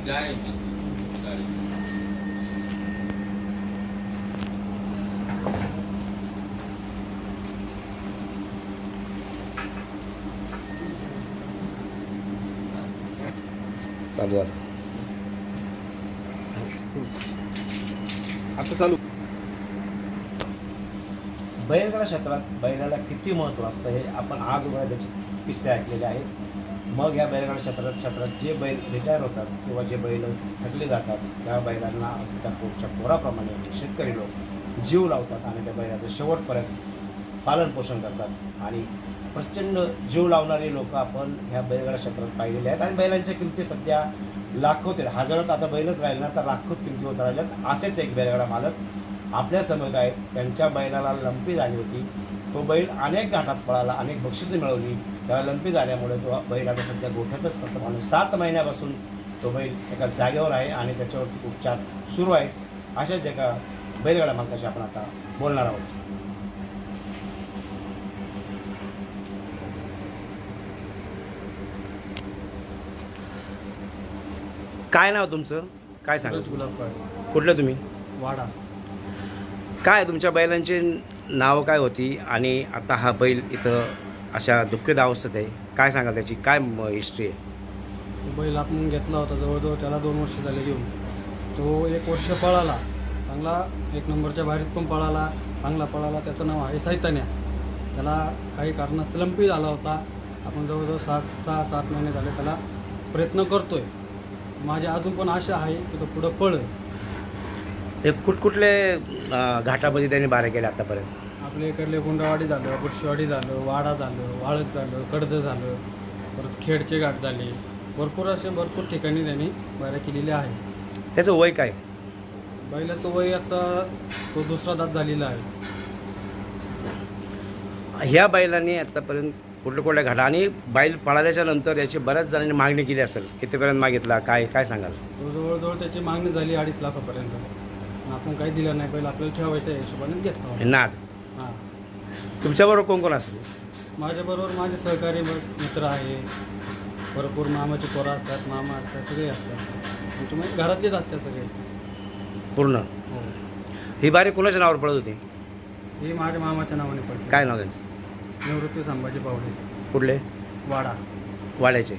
गाय गाय चालू झालं आता चालू. बैलगाडा क्षेत्रात बैलाला किती महत्त्व असतं हे आपण आज उभा त्याचे किस्से ऐकलेले आहेत. मग या बैलगाडा क्षेत्रात जे बैल रिटायर होतात किंवा जे बैल थकले जातात त्या बैलांना त्या पोटच्या पोराप्रमाणे शेतकरी लोक जीव लावतात आणि त्या बैलाचं शेवटपर्यंत पालनपोषण करतात. आणि प्रचंड जीव लावणारे लोक आपण ह्या बैलगाडा क्षेत्रात पाहिलेले आहेत. आणि बैलांच्या किमती सध्या लाखोत आहेत. हजारात आता बैलच राहिले ना तर लाखोत किमती होत राहिल्यात. असेच एक बैलगाडा मालक आपल्या समोर आहेत. त्यांच्या बैलाला लंपी झाली होती. तो बैल अनेक घाटात पळाला, अनेक बक्षिसे मिळवली. त्याला लंपी झाल्यामुळे तो बैल आता सध्या गोठ्यातच तसं माणूस 7 महिन्यापासून तो बैल एका जागेवर आहे आणि त्याच्यावरती उपचार सुरू आहेत. अशाच एका बैलगाडा मालकाशी आपण आता बोलणार आहोत. काय नाव तुमचं? काय सांगा? गुलाब काय कुठलं तुम्ही? वाडा. काय तुमच्या बैलांची नावं काय होती आणि आता हा बैल इथं अशा दुःखद अवस्थेत आहे? काय सांगा त्याची काय हिस्ट्री आहे? तो बैल आपण घेतला होता जवळजवळ त्याला 2 वर्ष झाले घेऊन. तो 1 वर्ष पळाला चांगला, 1 नंबरच्या बाहेरीत पण पळाला, चांगला पळाला. त्याचं नाव आहे सैतान्या. त्याला काही कारणास्तव लंपी झाला होता. आपण जवळजवळ 6-7 महिने झाले त्याला प्रयत्न करतोय. माझी अजून पण आशा आहे की तो पुढं पळेल. हे कुठकुठले घाटामध्ये त्यांनी बारे केले आतापर्यंत? आपल्या इकडले गुंडावाडी झालं, बुरशीवाडी झालं, वाडा झालं, वाळत झालं, कडद झालं, परत खेडचे घाट झाले. भरपूर ठिकाणी त्यांनी बाऱ्या केलेल्या आहे. त्याचं वय काय? बैलाचं वय आता तो 2रा दात झालेला आहे. ह्या बैलांनी आतापर्यंत कुठल्या घाटा आणि बैल पळाल्याच्या नंतर याची बऱ्याच जणांनी मागणी केली असेल. कितीपर्यंत मागितला? काय काय सांगाल? तो जवळजवळ त्याची मागणी झाली 2.5 लाखापर्यंत. पण आपण काही दिलं नाही. बैल आपल्याला ठेवायचं आहे हिशोबाने घेतला. नाद. हां. तुमच्याबरोबर कोण कोण असेल? माझ्याबरोबर माझे सहकारी मित्र आहे. भरपूर मामाचे पोरं असतात, मामा असतात, सगळे असतात. तुम्ही घरातलेच असतात सगळे पूर्ण. हो. ही बारी कोणाच्या नावावर पडत होती? ही माझ्या मामाच्या नावाने पडते. काय नाव त्यांचं? निवृत्ती संभाजी पावडे, कुठले? वाडा. वाड्याचे.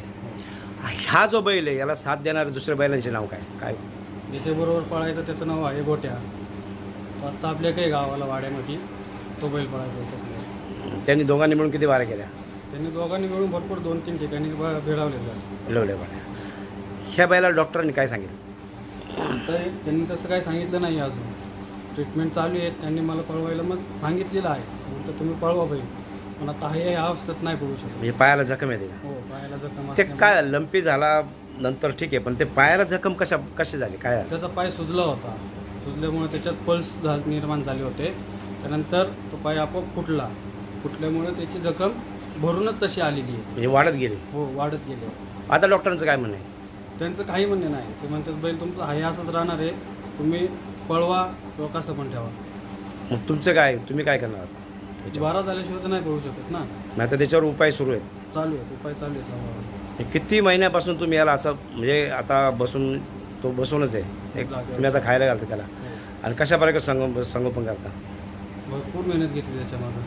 हा जो बैल आहे याला साथ देणारे दुसऱ्या बैलांचे नाव काय काय? ज्याच्याबरोबर पळायचं त्याचं नाव आहे गोट्या. आत्ता आपल्या काही गावाला वाड्यामध्ये तो बैल पळायचा होता सगळं. त्यांनी दोघांनी मिळून किती बाऱ्या केल्या? त्यांनी दोघांनी मिळून भरपूर 2-3 ठिकाणी भिडावलेलं आहे. लवल्या बाऱ्या. ह्या बैलाला डॉक्टरांनी काय सांगितलं? तर त्यांनी तसं काही सांगितलं नाही अजून. ट्रीटमेंट चालू आहे. त्यांनी मला पळवायला मग सांगितलेलं आहे. म्हणतं तुम्ही पळवा बैल. पण आता हे या अवस्थेत नाही पळू शकत. म्हणजे पायाला जखम येते? हो, पायाला जखम ते असल्यामुळे काय लंपी झाला नंतर ठीक आहे, पण ते पायाला जखम कशी झाली काय? त्याचा पाय सुजला होता. सुजल्यामुळे त्याच्यात पल्स निर्माण झाले होते. त्यानंतर तो पाय आपोआप फुटल्यामुळे त्याची जखम भरूनच तशी आलेली आहे. म्हणजे वाढत गेली? हो, वाढत गेले. आता डॉक्टरांचं काय म्हणणं आहे? त्यांचं काही म्हणणं नाही. ते म्हणतात बैल तुमचं आहे असंच राहणार आहे. तुम्ही पळवा किंवा कसं पण ठेवा. मग तुमचं काय? तुम्ही काय करणार? 12 झाल्याशिवाय तर नाही पळू शकत ना. नाही तर त्याच्यावर उपाय सुरू आहेत? चालू आहे, उपाय चालू आहेत. किती महिन्यापासून तुम्ही याला असं म्हणजे आता बसून तो बसूनच आहे तुम्ही आता खायला घालता त्याला आणि कशा प्रकारे संगोपन करता? भरपूर मेहनत घेतली त्याच्यामागं.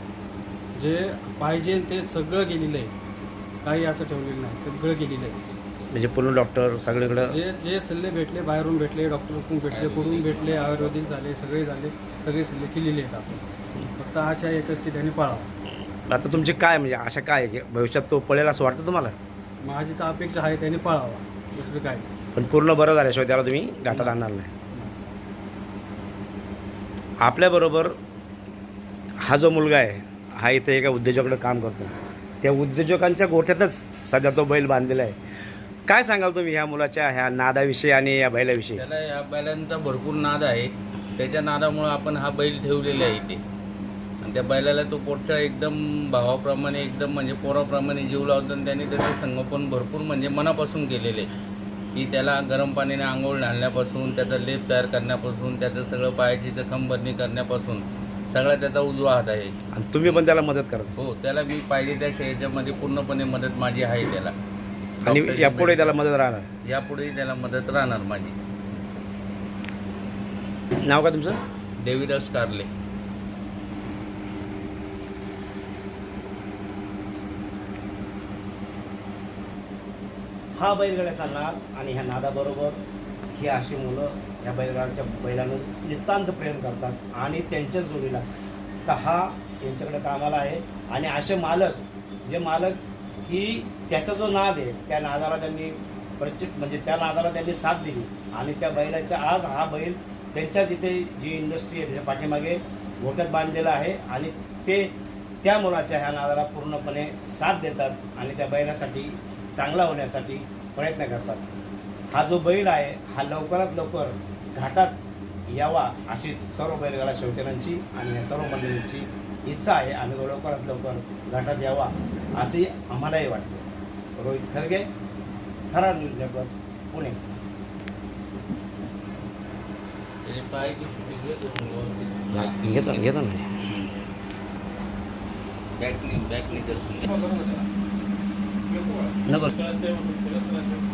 जे पाहिजे ते सगळं केलेलं आहे. काही असं ठेवलेलं नाही. सगळं केलेलं आहे. म्हणजे पूर्ण डॉक्टर सगळीकडं जे सल्ले भेटले, बाहेरून भेटले, डॉक्टरकडून भेटले, कुठून भेटले, आयुर्वेदिक झाले, सगळे सल्ले केलेले आहेत आपण. फक्त आशा एकच की त्यांनी पाळावं. आता तुमची काय म्हणजे आशा काय आहे की भविष्यात तो पळेल असं वाटतं तुम्हाला? माझी तर अपेक्षा आहे त्यांनी पाळावा. दुसरं काय. पण पूर्ण बरं झाल्याशिवाय त्याला तुम्ही घाटात आणणार नाही. आपल्याबरोबर हा जो मुलगा आहे हा इथे एका उद्योजकाकडे काम करतो. त्या उद्योजकांच्या गोठ्यातच सध्या तो बैल बांधलेला आहे. काय सांगाल तुम्ही ह्या मुलाच्या ह्या नादाविषयी आणि या बैलाविषयी? त्याला या बैलांचा भरपूर नाद आहे. त्याच्या नादामुळं आपण हा बैल ठेवलेला आहे इथे. आणि त्या बैलाला तो पोटच्या एकदम भावाप्रमाणे एकदम म्हणजे पोराप्रमाणे जीव लावतो. आणि त्यांनी त्याचं संगोपन भरपूर म्हणजे मनापासून केलेले आहे. की त्याला गरम पाण्याने आंघोळ घालण्यापासून, त्याचा लेप तयार करण्यापासून, त्याचं सगळं पायाची जखम भरणी करण्यापासून सगळा त्याचा उजवा हात आहे. आणि तुम्ही पण त्याला मदत करता? हो, त्याला मी पाहिजे त्या ह्याच्यामध्ये पूर्णपणे मदत माझी आहे त्याला. आणि डॉक्टरची यापुढे त्याला medical. मदत राहणार. यापुढेही त्याला मदत राहणार माझी. नाव का तुमचं? देवीदास कारले. हा बैलगाड्याचा नाद आणि ह्या नादाबरोबर ही अशी मुलं ह्या बैलांना नितांत प्रेम करतात आणि त्यांच्याच जोडीला तर हा यांच्याकडे कामाला आहे. आणि असे मालक की त्याचा जो नाद आहे त्या नादाला त्यांनी म्हणजे त्या नादाला त्यांनी साथ दिली आणि त्या बैलाच्या आज हा बैल त्यांच्याच इथे जी इंडस्ट्री आहे त्याच्या पाठीमागे गोट्यात बांधलेला आहे आणि ते त्या मुलाच्या ह्या नादाला पूर्णपणे साथ देतात आणि त्या बैलासाठी चांगला होण्यासाठी प्रयत्न करतात. हा जो बैल आहे हा लवकरात लवकर घाटात यावा अशीच सर्व बैलगाडा शौकीनांची आणि या सर्व मंडळींची इच्छा आहे आणि तो लवकरात लवकर घाटात यावा असे आम्हालाही वाटते. रोहित खरगे, थरार न्यूज नेटवर्क, पुणे. त्याचे पाय की व्यवस्थित घेतो ना. बॅकनी नको